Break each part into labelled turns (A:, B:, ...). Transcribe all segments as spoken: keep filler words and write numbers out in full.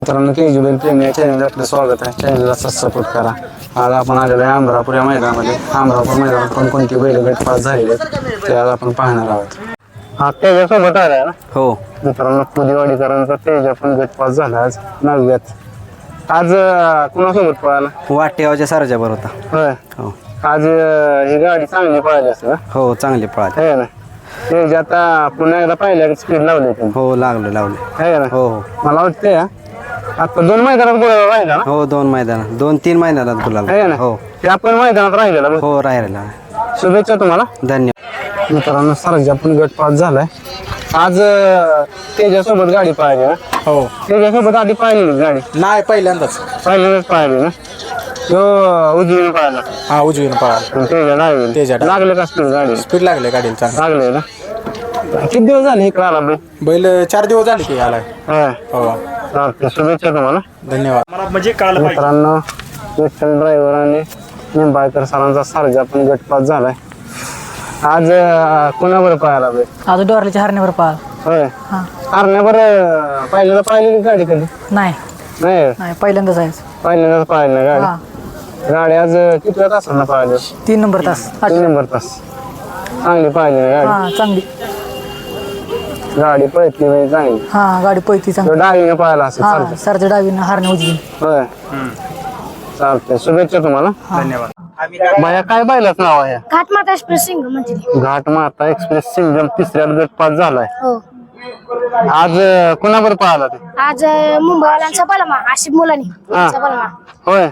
A: मित्रांनो के जी बैल प्रेमी या चॅनलला आपलं स्वागत आहे. चॅनलला सपोर्ट करा. आज आपण आलेलो आहे अमरापूर या मैदानामध्ये. अमरापूर मैदानात कोणकोणती बैल गट पास झालेले ते आज आपण पाहणार आहोत. हा तेजासोबत आलाय ना?
B: हो
A: मित्रांनो पुदेवाडीकरांचा तेजा पण गट पास झाला आज नवव्यात. आज कुणासोबत पळाला?
B: वाटेगावच्या सारच्या बरोबर होता.
A: होय.
B: हो
A: आज ही गाडी चांगली पळाली असेल.
B: हो चांगली पळाली
A: आहे ना? तेज आता पुन्हा एकदा पाहिल्या स्पीड लावली तुम्ही.
B: हो लागलो लागलो
A: आहे ना?
B: हो हो
A: मला वाटतंय आता दोन मैदानात बोलायला राहिला ना?
B: हो दोन मैदानात दोन तीन मैदानात गुलाल.
A: आहे ना?
B: हो
A: ते आपण मैदानात राहिलेला बघ.
B: हो राहिलेला.
A: शुभेच्छा तुम्हाला.
B: धन्यवाद.
A: मित्रांनो सरजा पण गट पास झालाय आज. तेजासोबत गाडी पाहिली ना?
B: हो
A: तेजासोबत आधी पाहिली गाडी?
B: नाही पहिल्यांदाच
A: पहिल्यांदाच पाहिली ना? तो उजवीने पाहिला.
B: हा उजवीन पळाला.
A: तेजा लागले
B: तेजा
A: लागले का स्पीड गाडी?
B: स्पीड लागले गाडीला चांगलं.
A: लागले ना? किती दिवस झाले इकडे आला बे?
B: बैल चार दिवस झाले की आलाय.
A: हा
B: हो
A: चालतंय. शुभेच्छा तुम्हाला.
B: धन्यवाद. म्हणजे
A: मित्रांनो विठ्ठल ड्रायव्हर आणि निंबाळकर सरांचा सरजा पण गट पास झालाय आज. कोणावर पाहायला बे?
C: आज डोरल्याच्या हरण्यावर पाळ.
A: होय.
C: हा
A: हरण्यावर पहिल्यांदा पाहिलेली गाडी कधी?
C: नाही
A: नाही
C: नाही पहिल्यांदाच आहे.
A: पहिल्यांदाच पाहिली ना गाडी?
C: हा
A: गाडी आज किती तासांना पाहिली?
C: तीन नंबर तास.
A: तीन नंबर तास. चांगली पाहिली ना गाडी?
C: हा चांगली
A: गाडी पळतली म्हणजे चांगली.
C: हा गाडी पळती चांगली.
A: तो डावीने पाहिला असं
C: हा
A: चालतं.
C: सरच्या डावीनं हरण्या उजवी.
A: होय. चालतंय. शुभेच्छा तुम्हाला.
B: धन्यवाद.
A: बाया काय पाहिलंच नाव आहे?
D: घाटमाता एक्सप्रेस सिंग म्हणजे
A: घाट माता एक्सप्रेस सिंगम तिसऱ्या गट पास झालाय
D: हो.
A: आज. कुणावर पाहिला ते?
D: आज मुंबईवाल्यांचा बलमा आशिफ मुलानी
A: हा.
D: बलमा
A: होय.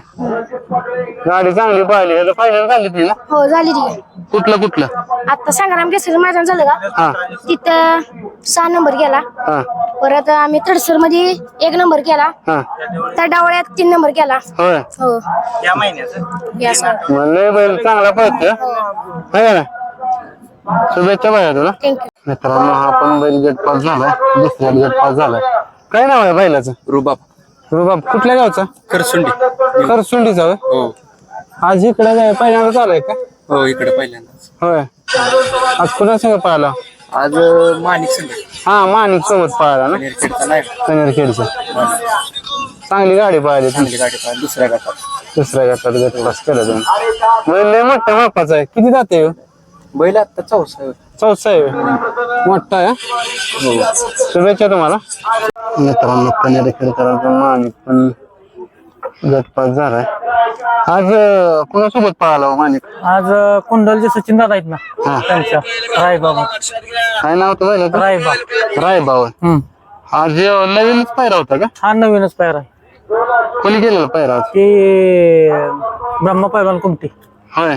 A: गाडी चांगली पाहिली. फायनल झाली ती ना?
D: हो झाली ती.
A: कुठलं कुठलं?
D: आता संग्राम केसरी मैदान झालं का
A: हा
D: तिथं सहा नंबर गेला.
A: हा
D: परत आम्ही तडसर मध्ये एक नंबर केला.
A: हा
D: त्या डावळ्यात तीन नंबर केला.
A: होय.
D: हो या महिन्यात
A: म्हणलं बैल चांगला पळतोय. है ना? शुभेच्छा बाया तुला.
D: थँक्यू.
A: मित्रांनो हा पण बैल गट पास झालाय. दुसऱ्या गट पास झालाय. काय नाव आहे बैलाचं?
B: रुबाब
A: रुबाब. कुठल्या गावचा?
B: करसुंडी.
A: करसुंडीचा होय.
B: हो
A: आज इकडे काय पहिल्यांदा चालू का?
B: हो इकडे पहिल्यांदाच.
A: होय. आज कुणा संग पाहिला?
B: आज माणिक संघ
A: हा माणिक सोबत पाहिला ना?
B: नाही
A: कनेरखेडचा. चांगली गाडी पाहिली
B: चांगली गाडी पाहिली दुसऱ्या गटात.
A: दुसऱ्या गटात गट पास केला तुम्ही. बैल लय मोठ्या मापाचा आहे. किती जाते?
B: बैल आता चौसा.
A: चौथा आहे होय. मोठा आहे.
B: हो
A: शुभेच्छा तुम्हाला. मित्रांनो कनेरखेडकरांचा माणिक पण गट पास झालाय आज. कोणासोबत पळाला हो माणिक?
C: आज कुंडलचे सचिन दादा आहेत ना
A: हा.
C: त्यांच्या रायबाबा.
A: काय नाव होतं बैलाचं?
C: रायबा.
A: रायबाव.
C: हम्म
A: आज नवीनच पायरा होता का?
C: हा नवीनच पायर आहे.
A: कोणी केलेला पायरा आज?
C: ते ब्रह्मा पैलवान कुमटी
A: होय.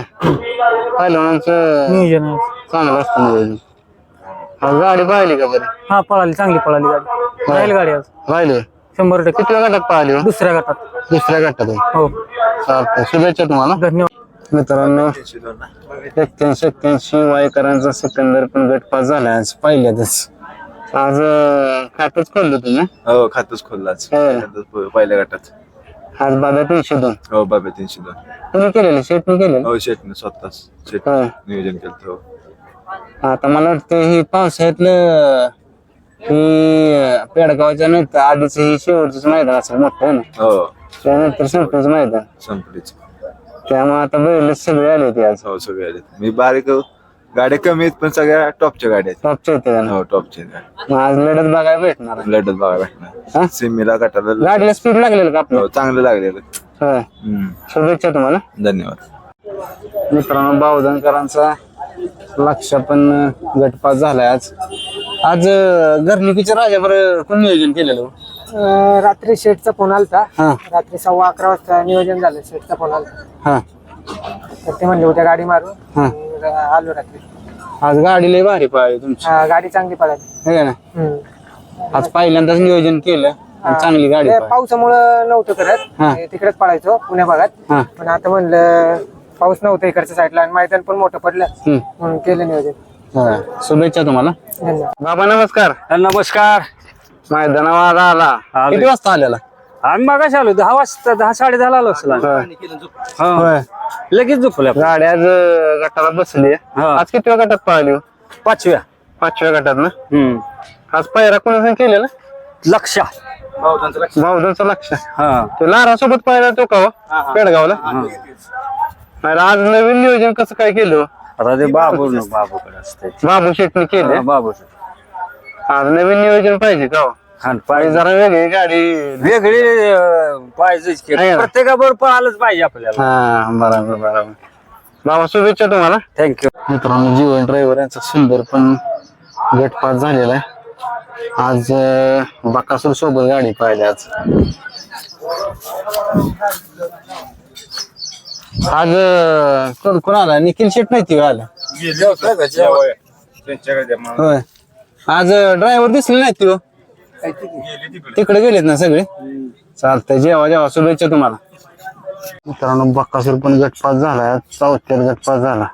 A: पहिलवानांचं
C: नियोजन आहे.
A: चांगलं असतं नियोजन. आज गाडी पाहिली का बरं?
C: हा पळाली चांगली पळाली गाडी. राहील गाडी आज
A: राहिले.
C: शंभर टक्के.
A: किती गटात पाहिली हो?
C: दुसऱ्या गटात.
A: दुसऱ्या गटात आहे.
C: हो
A: चालतंय. शुभेच्छा तुम्हाला.
C: धन्यवाद.
A: मित्रांनो एक्क्याऐंशी एक्क्याऐंशी वायकरांचा सिकंदर पण गट पास झाला आज पहिल्यातच. आज खातच खोललं तुम्ही?
E: हो खातच खोललाच
A: होय.
E: पहिल्या गटात.
A: आज बाबा तीनशे दोन
E: हो बाबा तीनशे दोन.
A: तुम्ही केलेले शेटने केलेलं?
E: हो शेटने स्वतःच शेट
A: होय.
E: नियोजन केलं. हो
A: आता मला वाटतं ही पावसाळ्यातलं ही पेडगावच्या नंतर आधीच ही शेवटच मैदान असेल मोठं आहे ना?
E: हो
A: त्यानंतर संपच मैदान.
E: संपलीच.
A: त्यामुळे आता बैलच सगळे आले होते आज.
E: हो सगळे आले. मी बारीक गाड्या कमी आहेत पण सगळ्या टॉपच्या गाड्या आहेत.
A: टॉपचे होते त्यांना.
E: हो टॉपच्या गाड्या.
A: मग आज लढत बघायला भेटणार आहे.
E: लढत बघा
A: हा?
E: भेटणार. सिमीला गटाला
A: गाडीला स्पीड लागलेलं का आपलं?
E: हो चांगलं लागलेलं.
A: होय.
E: हम्म.
A: शुभेच्छा तुम्हाला.
E: धन्यवाद.
A: मित्रांनो बावधनकरांचा लक्ष पण गट पास झालाय आज. आज घरनिकीच्या राजावर कोण नियोजन केलेलं?
C: रात्री शेटचा फोन आलता.
A: हा
C: रात्री सव्वा अकरा वाजता नियोजन झालं. शेटचा फोन आलता
A: हा
C: तर ते म्हणले उद्या गाडी मारू.
A: हा.
C: आलो रात्री.
A: आज गाडी लय भारी पाहिली तुमची.
C: हा, गाडी चांगली पळाली.
A: है ना? आज पहिल्यांदाच नियोजन केलं आणि चांगली गाडी पाहिली.
C: पावसामुळं नव्हतं
A: हा.
C: करत. तिकडेच पळायचो पुण्या भागात.
A: हा
C: पण आता म्हणलं पाऊस नव्हता इकडच्या साईडला आणि मैदान पण मोठं पडलं
A: हम्म.
C: म्हणून केलं नियोजन.
A: हा. शुभेच्छा तुम्हाला.
C: धन्यवाद.
A: बाबा नमस्कार.
B: नमस्कार.
A: मैदानावर आला
B: आलोय.
A: किती वाजता आलेला?
B: आम्ही मागाशी आलो दहा वाजता दहा साडे दहा आलो असेल.
A: होय. होय.
B: लगेच झोपल्या.
A: गाडी आज गटाला बसली.
B: हा.
A: आज किती गटात पाहिली हो?
B: पाचव्या.
A: पाचव्या गटात ना?
B: हम्म
A: आज पायरा कोणाचं केलेला?
B: लक्षा
A: भाऊदांचं लक्ष
B: हा
A: तो लारा सोबत पाहिला तो का हो? पेडगावला अरे आज नवीन नियोजन कसं काय केलं हो?
B: आता ते बाबू न बाबूकडे असते
A: बाबू शेटने केले
B: बाबू
A: आज नवीन नियोजन पाहिजे का हो?
B: खान
A: आणि
B: पाहिजे
A: जरा वेगळी गाडी
B: वेगळी अं, पाहिजेच की
A: आहे ना.
B: प्रत्येकाबरोबर पळालंच पाहिजे आपल्याला
A: हा बरोबर बरोबर बाबा शुभेच्छा तुम्हाला
B: थँक्यू
A: मित्रांनो जीवन ड्रायव्हर यांचा सुंदर पण गटपात झालेला आहे आज अं, बकासूर सोबत गाडी पाहिली आज आज अं, कोण कोण आला निखिल शेट नाही ती आला होय आज ड्रायव्हर दिसले नाही ती हो. तिकडे गेलेत ना सगळे चालतंय जेवा जेवा शुभेच्छा तुम्हाला मित्रांनो बक्कासूर पण गटपास झाला चौथ्यात गटपास झाला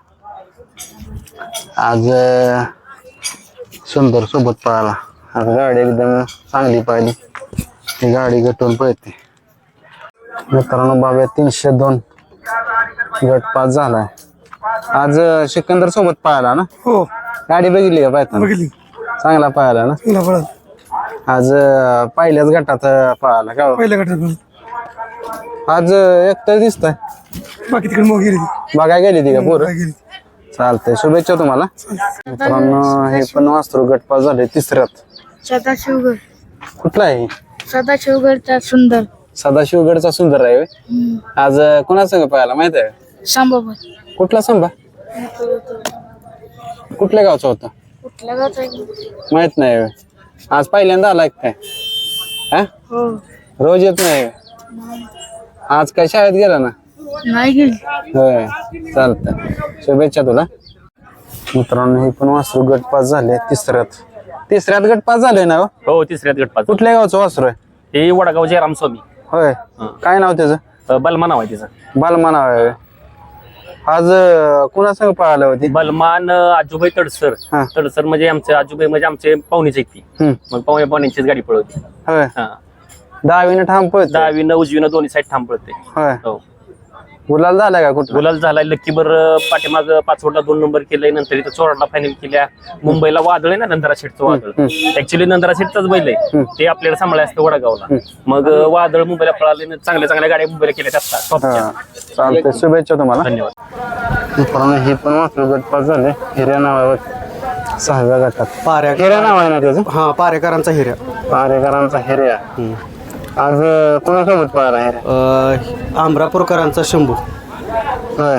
A: आज अं, सुंदर सोबत पळाला आज गाडी एकदम चांगली पाहिली ही गाडी गटून पळते मित्रांनो बाबा तीनशे दोन गटपास झालाय आज अं, सिकंदर सोबत पळाला ना
C: हो
A: गाडी बघितली का पाहता
C: बघितली
A: चांगला पळाला ना
C: तुला पळत
A: आज अं, पहिल्याच गटात अं, पळाला का हो?
C: पहिल्या गटात
A: आज अं, एकटं दिसतंय
C: बाकी तिकडे मग गेली
A: बघाय गेली ती का पोरं चालतंय शुभेच्छा तुम्हाला मित्रांनो हे पण वासरू गटपास झाले तिसऱ्यात
D: सदाशिवगड
A: कुठला आहे
D: सदाशिवगडचा सुंदर
A: सदाशिवगडचा सुंदर आहे होय? आज अं, कोणासंग पाहायला माहित आहे
D: सांबाबा
A: कुठला संभा कुठल्या गावचा होता
D: कुठल्या गावचा
A: माहित नाही होय. आज पहिल्यांदा आलाय काय हा
D: हो
A: रोज येत नाही होय? आज काय शाळेत गेला ना
D: नाही गेली
A: होय चालतंय शुभेच्छा तुला मित्रांनो हे पण वासरू गटपास झाले तिसऱ्यात तिसऱ्यात गटपास झाले ना हो?
B: हो तिसऱ्यात गटपात
A: कुठल्या गावचं वासरू आहे
B: हे वडगाव जयराम स्वामी
A: होय काय नाव त्याचं
B: अं, बलमा नाव आहे तिचं
A: बालमा नाव आहे होय. आज अं, कुणासंग पळाली होती
B: बलमान अं, आजूबाई तडसर
A: हा.
B: तडसर म्हणजे आमचे आजूबाई म्हणजे आमचे पाहुणेच ती
A: हम्म.
B: मग पाहुणे पाहुण्यांचीच गाडी पळवती
A: होय
B: हा
A: दहावीने ठाम पळत
B: दहावीनं उजवीनं दोन्ही साईड थांब पळते
A: होय
B: हो
A: गुलाल झालाय का कुठला
B: गुलाल झालाय लक्कीबर पाठीमाग पाचवडला दोन नंबर केलंय नंतर इथं चोराडला फायनल केल्या मुंबईला वादळ आहे ना नंदरा शेठचं वादळ ऍक्च्युली नंदरा शेठचाच बैल आहे ते आपल्याला सांभाळाय असतं वडगावला मग अं, वादळ मुंबईला पळाले न चांगल्या चांगल्या गाड्या मुंबईला केल्या असतात टॉपच्या.
A: हा चालतंय शुभेच्छा तुम्हाला
B: धन्यवाद
A: मित्रांनो हे पण वासरू गटपास झाले हिऱ्या नावावर सहाव्या गटात
C: पाऱ्या
A: हिऱ्या नाव आहे ना त्याचं
C: हा पारेकरांचा हिऱ्या
A: पारेकरांचा हिऱ्या आज अं, कोणासोबत पळाला हिऱ्या
C: आंब्रापूरकरांचा शंभू
A: होय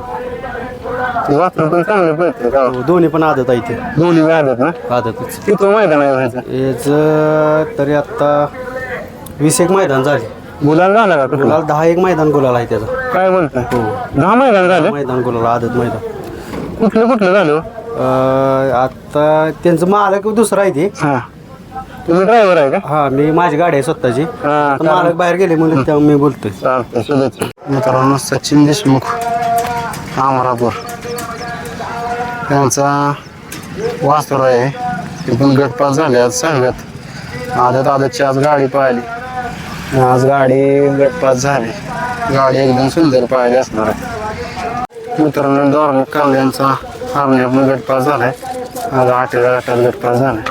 A: वासरू पण चांगले पळते का हो?
C: दोन्ही पण आदत आहे ते
A: दोन्ही व्याजात ना
C: आदतच
A: किती मैदान आहे व्हायचं
C: याच तरी आता वीस एक मैदान झाले
A: गुलाल झाला का कुठला
C: गुलाल दहा एक मैदान गुलाल आहे त्याचा
A: काय बोलताय दहा मैदान झाले
C: मैदान गुलाल आदत मैदान
A: कुठलं कुठलं झालं हो?
C: अं, आता त्यांचं मालक दुसरं आहे ते
A: हा तुम्ही ड्रायव्हर आहे का
C: हा मी माझी गाडी आहे स्वतःची
A: हा
C: आता मालक बाहेर गेले म्हणून तेव्हा मी बोलतोय
A: चालतंय शुभेच्छा मित्रांनो सचिन देशमुख अमरापूर त्यांचा वासर आहे ते पण गटपास झाले आज सांगत आदत आदतची आज गाडी पाहिली आज गाडी गटपास झाली गाडी एकदम सुंदर पाहिली असणार आहे मित्रांनो धार्मिक कावल्यांचा हरण्या पण गटपास झालाय आज आठव्या गटात गटपास झालाय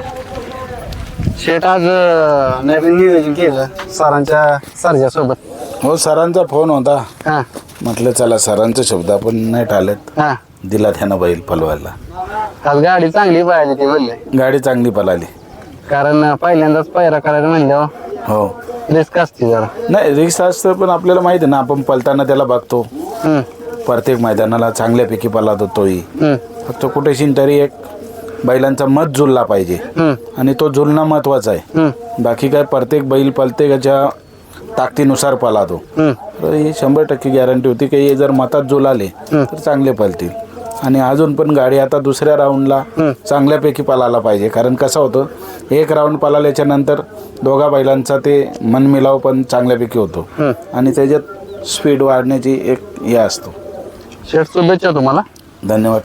A: शेट आज अं, नवीन नियोजन केलं सरांच्या सरच्या सोबत
F: हो सरांचा फोन होता
A: हा
F: म्हटलं चला सरांचे शब्द आपण नाही टाळत
A: हा
F: दिला त्यानं बैल पलवायला
A: आज गाडी चांगली पाहिली ती म्हणले
F: गाडी चांगली पळाली
A: कारण पहिल्यांदाच पायरा करायला म्हणल्यावर
F: हो
A: रिस्क असते जरा
F: नाही रिक्स असतं पण आपल्याला माहिती आहे ना आपण पलताना त्याला बघतो
A: हम्म,
F: प्रत्येक मैदानाला चांगल्यापैकी पळतो तोही
A: हम्म,
F: फक्त कुठेशी तरी एक बैलांचा मत जुळला पाहिजे
A: हम्म,
F: आणि तो जुळणं महत्वाचा आहे
A: हम्म,
F: बाकी काय प्रत्येक बैल प्रत्येकाच्या ताकदीनुसार पळतो
A: हम्म.
F: तर ही शंभर टक्के गॅरंटी होती की हे जर मतात जुळाले तर चांगले पळतील आणि अजून पण गाडी आता दुसऱ्या राऊंडला चांगल्यापैकी पळायला पाहिजे कारण कसं होतं एक राऊंड पळाल्याच्या नंतर दोघा बैलांचा ते मनमिलाव पण चांगल्यापैकी होतो आणि त्याच्यात स्पीड वाढण्याची एक हे असतो
A: शेट शुभेच्छा तुम्हाला
F: धन्यवाद